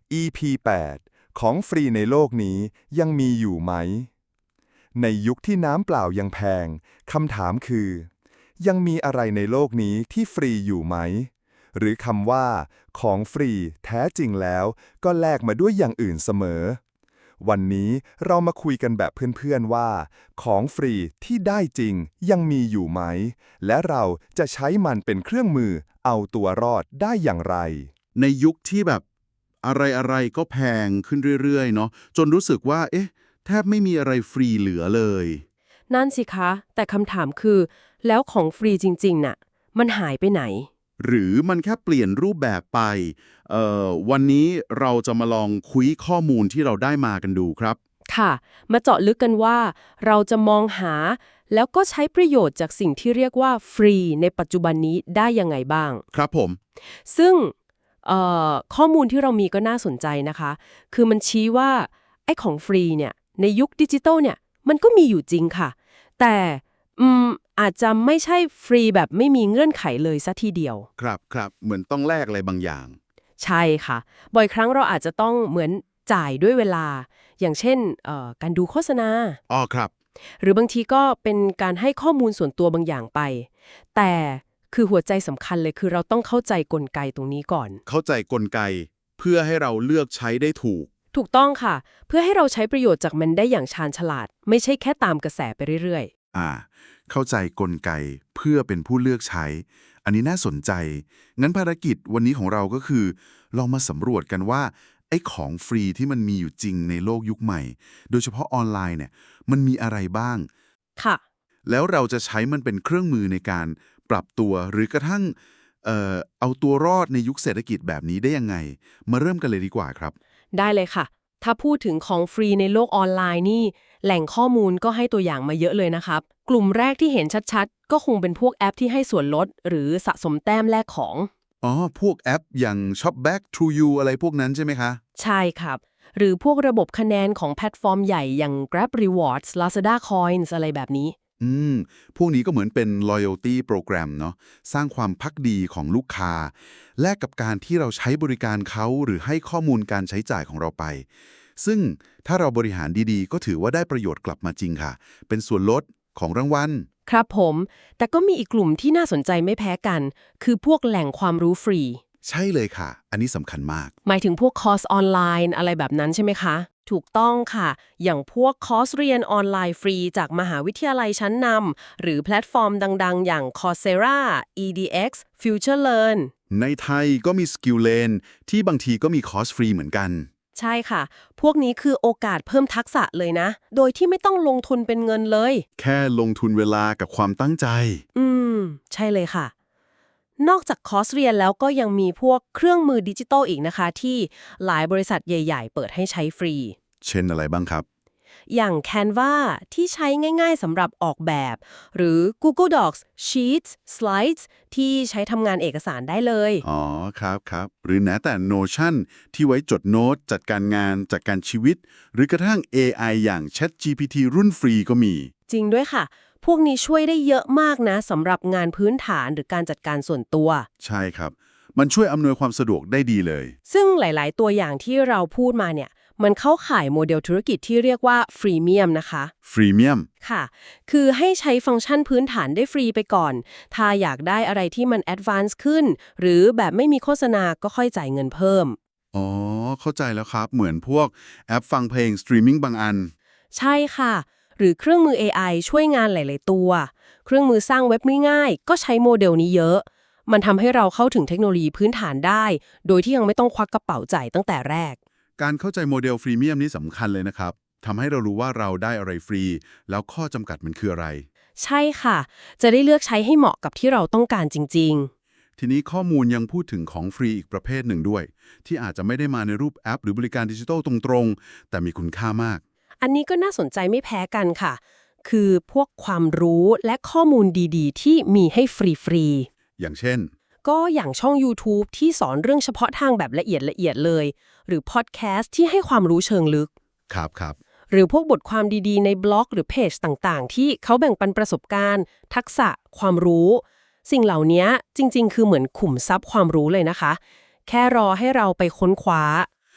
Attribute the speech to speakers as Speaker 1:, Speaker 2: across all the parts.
Speaker 1: EP 8ของฟรีในโลกนี้ยังมีอยู่ไหมในยุคที่น้ำเปล่ายังแพงคำถามคือยังมีอะไรในโลกนี้ที่ฟรีอยู่ไหมหรือคำว่าของฟรีแท้จริงแล้วก็แลกมาด้วยอย่างอื่นเสมอวันนี้เรามาคุยกันแบบเพื่อนๆว่าของฟรีที่ได้จริงยังมีอยู่ไหมและเราจะใช้มันเป็นเครื่องมือเอาตัวรอดได้อย่างไร
Speaker 2: ในยุคที่แบบอะไรๆก็แพงขึ้นเรื่อยๆเนาะจนรู้สึกว่าแทบไม่มีอะไรฟรีเหลือเลย
Speaker 3: นั่นสิคะแต่คำถามคือแล้วของฟรีจริงๆน่ะมันหายไปไหน
Speaker 2: หรือมันแค่เปลี่ยนรูปแบบไปวันนี้เราจะมาลองคุยข้อมูลที่เราได้มากันดูครับ
Speaker 3: ค่ะมาเจาะลึกกันว่าเราจะมองหาแล้วก็ใช้ประโยชน์จากสิ่งที่เรียกว่าฟรีในปัจจุบันนี้ได้ยังไงบ้าง
Speaker 2: ครับผม
Speaker 3: ซึ่งข้อมูลที่เรามีก็น่าสนใจนะคะคือมันชี้ว่าไอ้ของฟรีเนี่ยในยุคดิจิทัลเนี่ยมันก็มีอยู่จริงค่ะแต่อาจจะไม่ใช่ฟรีแบบไม่มีเงื่อนไขเลยซะทีเดียว
Speaker 2: ครับเหมือนต้องแลกอะไรบางอย่าง
Speaker 3: ใช่ค่ะบ่อยครั้งเราอาจจะต้องเหมือนจ่ายด้วยเวลาอย่างเช่นการดูโฆษณา
Speaker 2: อ๋อครับ
Speaker 3: หรือบางทีก็เป็นการให้ข้อมูลส่วนตัวบางอย่างไปแต่คือหัวใจสำคัญเลยคือเราต้องเข้าใจกลไกตรงนี้ก่อน
Speaker 2: เข้าใจกลไกเพื่อให้เราเลือกใช้ได้ถูก
Speaker 3: ถูกต้องค่ะเพื่อให้เราใช้ประโยชน์จากมันได้อย่างชาญฉลาดไม่ใช่แค่ตามกระแสไปเรื่อย
Speaker 2: เข้าใจกลไกเพื่อเป็นผู้เลือกใช้ อันนี้น่าสนใจ งั้นภารกิจวันนี้ของเราก็คือลองมาสำรวจกันว่าไอ้ของฟรีที่มันมีอยู่จริงในโลกยุคใหม่ โดยเฉพาะออนไลน์เนี่ยมันมีอะไรบ้าง
Speaker 3: ๆค่ะ
Speaker 2: แล้วเราจะใช้มันเป็นเครื่องมือในการปรับตัวหรือกระทั่งเอาตัวรอดในยุคเศรษฐกิจแบบนี้ได้ยังไง มาเริ่มกันเลยดีกว่าครับ
Speaker 3: ได้เลยค่ะถ้าพูดถึงของฟรีในโลกออนไลน์นี่แหล่งข้อมูลก็ให้ตัวอย่างมาเยอะเลยนะครับกลุ่มแรกที่เห็นชัดๆก็คงเป็นพวกแอปที่ให้ส่วนลดหรือสะสมแต้มแลกของ
Speaker 2: อ๋อ พวกแอปอย่าง Shopback True You อะไรพวกนั้นใช่ไหมคะ
Speaker 3: ใช่ครับหรือพวกระบบคะแนนของแพลตฟอร์มใหญ่อย่าง Grab Rewards Lazada Coins อะไรแบบนี้
Speaker 2: อืม พวกนี้ก็เหมือนเป็น loyalty program เนาะสร้างความภักดีของลูกค้าแลกกับการที่เราใช้บริการเขาหรือให้ข้อมูลการใช้จ่ายของเราไป ซึ่งถ้าเราบริหารดีๆ ก็ถือว่าได้ประโยชน์กลับมาจริงค่ะ เป็นส่วนลดของรางวัล
Speaker 3: ครับผมแต่ก็มีอีกกลุ่มที่น่าสนใจไม่แพ้กันคือพวกแหล่งความรู้ฟรี
Speaker 2: ใช่เลยค่ะ อันนี้สำคัญมาก
Speaker 3: หมายถึงพวกคอร์สออนไลน์อะไรแบบนั้นใช่ไหมคะ ถูกต้องค่ะ อย่างพวกคอร์สเรียนออนไลน์ฟรีจากมหาวิทยาลัยชั้นนำหรือแพลตฟอร์มดังๆ อย่าง Coursera, EDX, FutureLearn
Speaker 2: ในไทยก็มี Skillane ที่บางทีก็มีคอร์สฟรีเหมือนกัน
Speaker 3: ใช่ค่ะ พวกนี้คือโอกาสเพิ่มทักษะเลยนะ โดยที่ไม่ต้องลงทุนเป็นเงินเลย
Speaker 2: แค่ลงทุนเวลากับความตั้งใจ
Speaker 3: อืม ใช่เลยค่ะ นอกจากคอร์สเรียนแล้วก็ยังมีพวกเครื่องมือดิจิตอลอีกนะคะที่หลายบริษัทใหญ่ๆเปิดให้ใช้ฟรี
Speaker 2: เช่นอะไรบ้างครับ
Speaker 3: อย่าง Canva ที่ใช้ง่ายๆสำหรับออกแบบ หรือ Google Docs Sheets Slides ที่ใช้ทำงานเอกสารได้เลย
Speaker 2: อ๋อครับหรือแม้แต่ Notion ที่ไว้จดโน้ตจัดการงานจัดการชีวิต หรือกระทั่ง AI อย่าง ChatGPT รุ่นฟรีก็มี
Speaker 3: จริงด้วยค่ะ พวกนี้ช่วยได้เยอะมากนะสำหรับงานพื้นฐานหรือการจัดการส่วนตัว
Speaker 2: ใช่ครับ มันช่วยอำนวยความสะดวกได้ดีเลย
Speaker 3: ซึ่งหลายๆ ตัวอย่างที่เราพูดมาเนี่ยมันเข้าข่ายโมเดลธุรกิจที่เรียกว่าฟรีเมียมนะคะ
Speaker 2: ฟรีเมียม
Speaker 3: ค่ะ คือให้ใช้ฟังก์ชันพื้นฐานได้ฟรีไปก่อน ถ้าอยากได้อะไรที่มันแอดวานซ์ขึ้น หรือแบบไม่มีโฆษณาก็ค่อยจ่ายเงินเพิ่ม
Speaker 2: อ๋อ เข้าใจแล้วครับ เหมือนพวกแอปฟังเพลงสตรีมมิ่งบางอัน
Speaker 3: ใช่ค่ะ หรือเครื่องมือ AI ช่วยงานหลาย ๆ ตัว เครื่องมือสร้างเว็บง่ายๆก็ใช้โมเดลนี้เยอะ มันทำให้เราเข้าถึงเทคโนโลยีพื้นฐานได้ โดยที่ยังไม่ต้องควักกระเป๋าจ่ายตั้งแต่แรก
Speaker 2: การเข้าใจโมเดลฟรีเมียมนี่สำคัญเลยนะครับ ทำให้เรารู้ว่าเราได้อะไรฟรี แล้วข้อจำกัดมันคืออะไร
Speaker 3: ใช่ค่ะ จะได้เลือกใช้ให้เหมาะกับที่เราต้องการจริง
Speaker 2: ทีนี้ข้อมูลยังพูดถึงของฟรีอีกประเภทหนึ่งด้วย ที่อาจจะไม่ได้มาในรูปแอปหรือบริการดิจิทัลตรงๆ แต่มีคุณค่ามาก
Speaker 3: ๆ อันนี้ก็น่าสนใจไม่แพ้กันค่ะ คือพวกความรู้และข้อมูลดีๆ ที่มีให้ฟรี
Speaker 2: อย่างเช่น
Speaker 3: ๆ ก็อย่างช่อง YouTube ที่สอนเรื่องเฉพาะทางแบบละเอียดเลย หรือพอดแคสต์ที่ให้ความรู้เชิงลึก
Speaker 2: ครับ
Speaker 3: หรือพวกบทความดีๆในบล็อกหรือเพจต่างๆ ที่เขาแบ่งปันประสบการณ์ ทักษะความรู้ สิ่งเหล่านี้จริงๆ คือเหมือนขุมทรัพย์ความรู้เลยนะคะ แค่รอให้เราไปค้นคว้า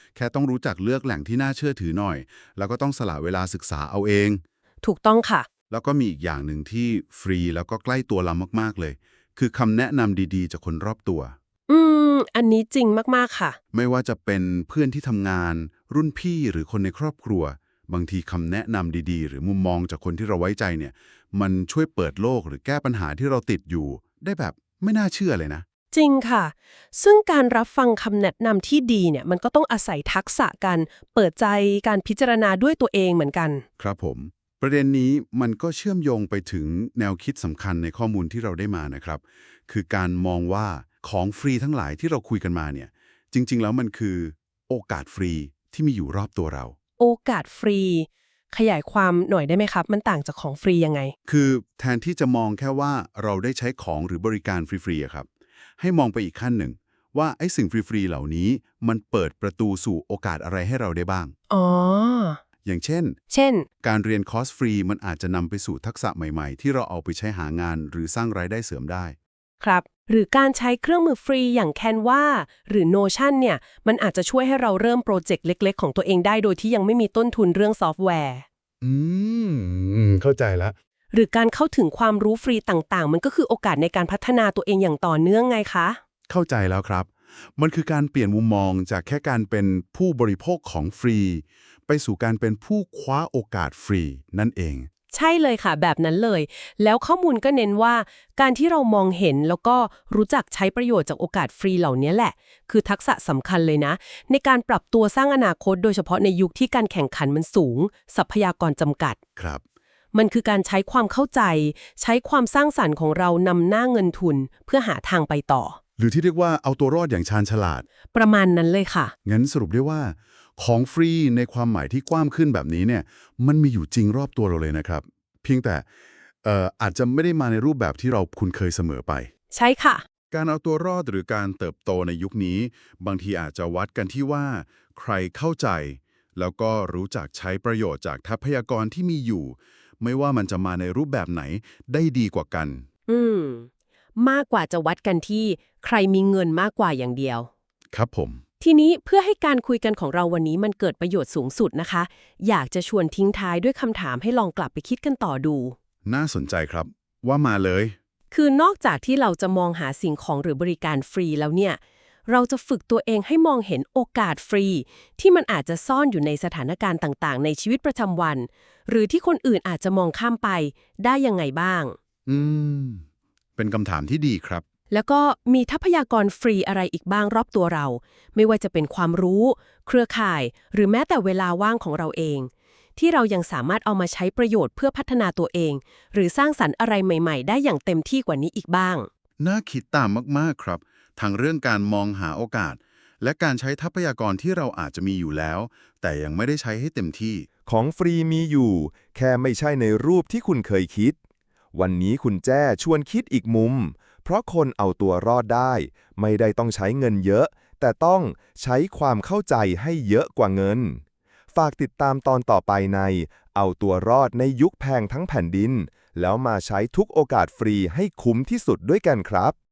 Speaker 2: แค่ต้องรู้จักเลือกแหล่งที่น่าเชื่อถือหน่อย แล้วก็ต้องสละเวลาศึกษาเอาเอง
Speaker 3: ถูกต้องค่ะ
Speaker 2: แล้วก็มีอีกอย่างหนึ่งที่ฟรีแล้วก็ใกล้ตัวเรามากๆเลย คือคำแนะนำดีๆจากคนรอบตัว
Speaker 3: อันนี้จริงมากๆค่ะ
Speaker 2: ไม่ว่าจะเป็นเพื่อนที่ทำงาน รุ่นพี่หรือคนในครอบครัว บางทีคำแนะนำดีๆ หรือมุมมองจากคนที่เราไว้ใจเนี่ย มันช่วยเปิดโลกหรือแก้ปัญหาที่เราติดอยู่ ได้แบบไม่น่าเชื่อเลยนะ
Speaker 3: จริงค่ะ ซึ่งการรับฟังคำแนะนำที่ดีเนี่ยมันก็ต้องอาศัยทักษะการเปิดใจการพิจารณาด้วยตัวเองเหมือนกัน
Speaker 2: ครับผม ประเด็นนี้มันก็เชื่อมโยงไปถึงแนวคิดสำคัญในข้อมูลที่เราได้มานะครับ คือการมองว่าของฟรีทั้งหลายที่เราคุยกันมาเนี่ย จริงๆแล้วมันคือโอกาสฟรีที่มีอยู่รอบตัวเรา
Speaker 3: โอกาสฟรี ขยายความหน่อยได้ไหมครับ มันต่างจากของฟรียังไง
Speaker 2: คือแทนที่จะมองแค่ว่าเราได้ใช้ของหรือบริการฟรีๆอะครับ ให้มองไปอีกขั้นหนึ่ง ว่าไอ้สิ่งฟรีๆเหล่านี้มันเปิดประตูสู่โอกาสอะไรให้เราได้บ้าง
Speaker 3: อ๋อ
Speaker 2: อย่างเช่น
Speaker 3: เช่น
Speaker 2: การเรียนคอร์สฟรีมันอาจจะนำไปสู่ทักษะใหม่ๆ ที่เราเอาไปใช้หางานหรือสร้างรายได้เสริมได้
Speaker 3: ครับ หรือการใช้เครื่องมือฟรีอย่าง Canva หรือ Notion เนี่ย มันอาจจะช่วยให้เราเริ่มโปรเจกต์เล็กๆของตัวเองได้โดยที่ยังไม่มีต้นทุนเรื่องซอฟต์แวร์
Speaker 2: อืเข้าใจแล้ว
Speaker 3: หรือการเข้าถึงความรู้ฟรีต่างๆ มันก็คือโอกาสในการพัฒนาตัวเองอย่างต่อเนื่องไงคะ
Speaker 2: เข้าใจแล้วครับ มันคือการเปลี่ยนมุมมองจากแค่การเป็นผู้บริโภคของฟรี ไปสู่การเป็นผู้คว้าโอกาสฟรีนั่นเอง
Speaker 3: ใช่เลยค่ะแบบนั้นเลย แล้วข้อมูลก็เน้นว่า การที่เรามองเห็นแล้วก็รู้จักใช้ประโยชน์จากโอกาสฟรีเหล่านี้แหละ คือทักษะสำคัญเลยนะ ในการปรับตัวสร้างอนาคตโดยเฉพาะในยุคที่การแข่งขันมันสูง ทรัพยากรจำกัด
Speaker 2: ครับ
Speaker 3: มันคือการใช้ความเข้าใจ ใช้ความสร้างสรรค์ของเรานำหน้าเงินทุนเพื่อหาทางไปต่อ
Speaker 2: หรือที่เรียกว่าเอาตัวรอดอย่างชาญฉลาด
Speaker 3: ประมาณนั้นเลยค่ะ
Speaker 2: งั้นสรุปได้ว่า ของฟรีในความหมายที่กว้างขึ้นแบบนี้เนี่ย มันมีอยู่จริงรอบตัวเราเลยนะครับ เพียงแต่อาจจะไม่ได้มาในรูปแบบที่เราคุ้นเคยเสมอไป
Speaker 3: ใช่ค่ะ
Speaker 2: การเอาตัวรอดหรือการเติบโตในยุคนี้ บางทีอาจจะวัดกันที่ว่า ใครเข้าใจ แล้วก็รู้จักใช้ประโยชน์จากทรัพยากรที่มีอยู่ ไม่ว่ามันจะมาในรูปแบบไหนได้ดีกว่ากัน
Speaker 3: มากกว่าจะวัดกันที่ใครมีเงินมากกว่าอย่างเดียว
Speaker 2: ครับผม
Speaker 3: ทีนี้เพื่อให้การคุยกันของเราวันนี้มันเกิดประโยชน์สูงสุดนะคะ อยากจะชวนทิ้งท้ายด้วยคำถามให้ลองกลับไปคิดกันต่อดู
Speaker 2: น่าสนใจครับ ว่ามาเลย
Speaker 3: คือนอกจากที่เราจะมองหาสิ่งของหรือบริการฟรีแล้วเนี่ย เราจะฝึกตัวเองให้มองเห็นโอกาสฟรี ที่มันอาจจะซ่อนอยู่ในสถานการณ์ต่างๆ ในชีวิตประจำวัน หรือที่คนอื่นอาจจะมองข้ามไปได้ยังไงบ้าง
Speaker 2: อืม เป็นคำถามที่ดีครับ
Speaker 3: แล้วก็มีทรัพยากรฟรีอะไรอีกบ้างรอบตัวเรา ไม่ว่าจะเป็นความรู้ เครือข่าย หรือแม้แต่เวลาว่างของเราเอง ที่เรายังสามารถเอามาใช้ประโยชน์เพื่อพัฒนาตัวเอง หรือสร้างสรรค์อะไรใหม่ๆ ได้อย่างเต็มที่กว่านี้อีกบ้าง
Speaker 2: น่าคิดตามมากๆครับ ทั้งเรื่องการมองหาโอกาส และการใช้ทรัพยากรที่เราอาจจะมีอยู่แล้ว แต่ยังไม่ได้ใช้ให้เต็มที่
Speaker 1: ของฟรีมีอยู่ แค่ไม่ใช่ในรูปที่คุณเคยคิด วันนี้คุณแจ้ชวนคิดอีกมุม เพราะคนเอาตัวรอดได้ ไม่ได้ต้องใช้เงินเยอะ แต่ต้องใช้ความเข้าใจให้เยอะกว่าเงิน ฝากติดตามตอนต่อไปในเอาตัวรอดในยุคแพงทั้งแผ่นดิน แล้วมาใช้ทุกโอกาสฟรีให้คุ้มที่สุดด้วยกันครับ